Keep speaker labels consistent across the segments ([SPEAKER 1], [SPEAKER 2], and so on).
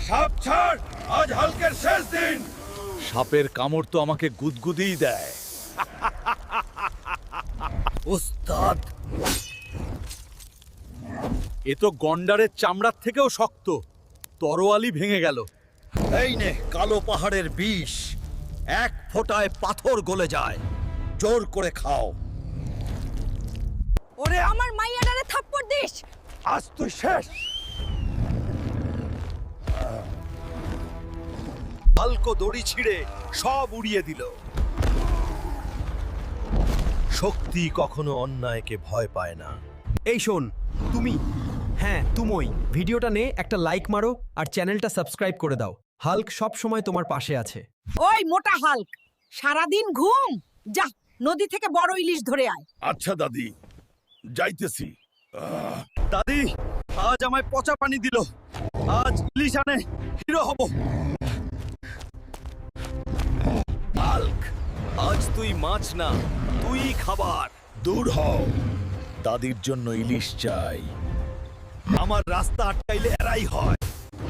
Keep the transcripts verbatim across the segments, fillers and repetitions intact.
[SPEAKER 1] সাপ ছাড়, আজ হালকের শেষ দিন। সাপের কামড় তো আমাকে গুদগুদিই দেয়। ওস্তাদ, এ তো গন্ডারের চামড়ার থেকেও শক্ত। তরোয়ালি ভেঙে গেল। এই নে কালো পাহাড়ের বিষ, এক ফোঁটায় পাথর গলে যায়। জোর করে খাও।
[SPEAKER 2] ওরে আমার মাইয়াডারে থাপ্পড় দিস।
[SPEAKER 1] আজ তুই শেষ। হালকো দড়ি ছিঁড়ে সব উড়িয়ে দিল। শক্তি কখনো অন্যায়কে ভয় পায় না।
[SPEAKER 3] এই শোন, তুমি, হ্যাঁ তুমই ভিডিওটা নে, একটা লাইক মারো আর চ্যানেলটা সাবস্ক্রাইব করে দাও। হাল্ক সব সময় তোমার পাশে আছে।
[SPEAKER 2] ওই মোটা হাল্ক, সারাদিন ঘুম, যা নদী থেকে বড় ইলিশ ধরে আয়।
[SPEAKER 1] আচ্ছা দাদি, যাইতেছি। দাদি, আজ আমায় পচা পানি দিল। আজ ইলিশ আনে হিরো হব। হাল্ক, আজ তুই মাছ না, তুই খাবার। দূর হও, দাদির জন্য ইলিশ চাই। আমার রাস্তা আটকাইলে এরাই হয়।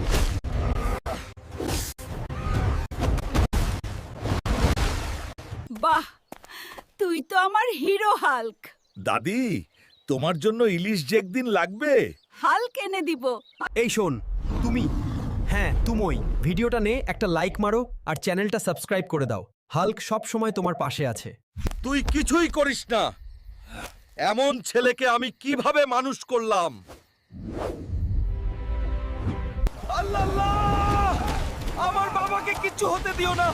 [SPEAKER 2] বাহ, তুই তো আমার হিরো হাল্ক।
[SPEAKER 1] দাদি, তোমার জন্য ইলিশ যে একদিন লাগবে।
[SPEAKER 2] হাল্ক এনে দিব।
[SPEAKER 3] এই শোন, তুমি, হ্যাঁ তুমই ভিডিওটা নে, একটা লাইক মারো আর চ্যানেলটা সাবস্ক্রাইব করে দাও। হাল্ক সব সময় তোমার পাশে আছে।
[SPEAKER 1] তুই কিছুই করিস না। এমন ছেলেকে আমি কিভাবে মানুষ করলাম। আল্লাহ আল্লাহ! আমার বাবাকে কিচ্ছু হতে দিও না।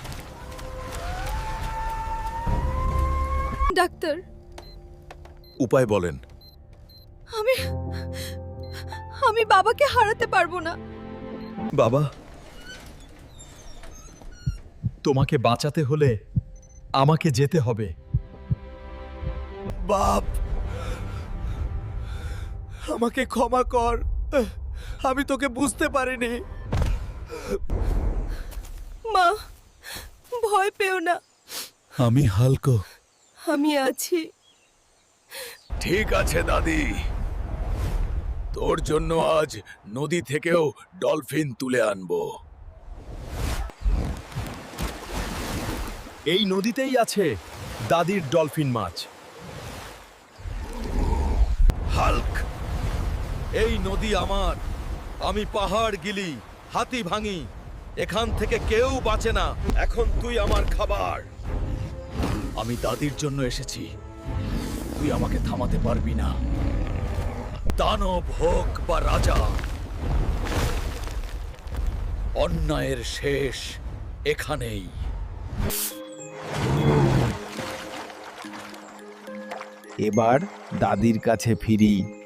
[SPEAKER 2] ডাক্তার,
[SPEAKER 1] উপায় বলেন।
[SPEAKER 2] আমি আমি বাবাকে হারাতে পারবো না।
[SPEAKER 1] বাবা,
[SPEAKER 3] তোমাকে বাঁচাতে হলে আমাকে যেতে হবে।
[SPEAKER 1] বাপ, আমাকে ক্ষমা কর। আমি তোকে বুঝতে পারিনি।
[SPEAKER 2] মা, ভয় পেও না,
[SPEAKER 1] আমি হালকো।
[SPEAKER 2] আমি আছি।
[SPEAKER 1] ঠিক আছে দাদি, তোর জন্য আজ নদী থেকেও ডলফিন তুলে আনবো।
[SPEAKER 3] এই নদীতেই আছে দাদির ডলফিন মাছ।
[SPEAKER 1] হাল্ক, এই নদী আমার। আমি পাহাড় গিলি, হাতি ভাঙি, এখান থেকে কেউ বাঁচে না। এখন তুই আমার খাবার। আমি দাদির জন্য এসেছি, তুই আমাকে থামাতে পারবি না। দানব হোক বা রাজা, অন্যায়ের শেষ এখানেই।
[SPEAKER 4] এবার দাদির কাছে ফিরি।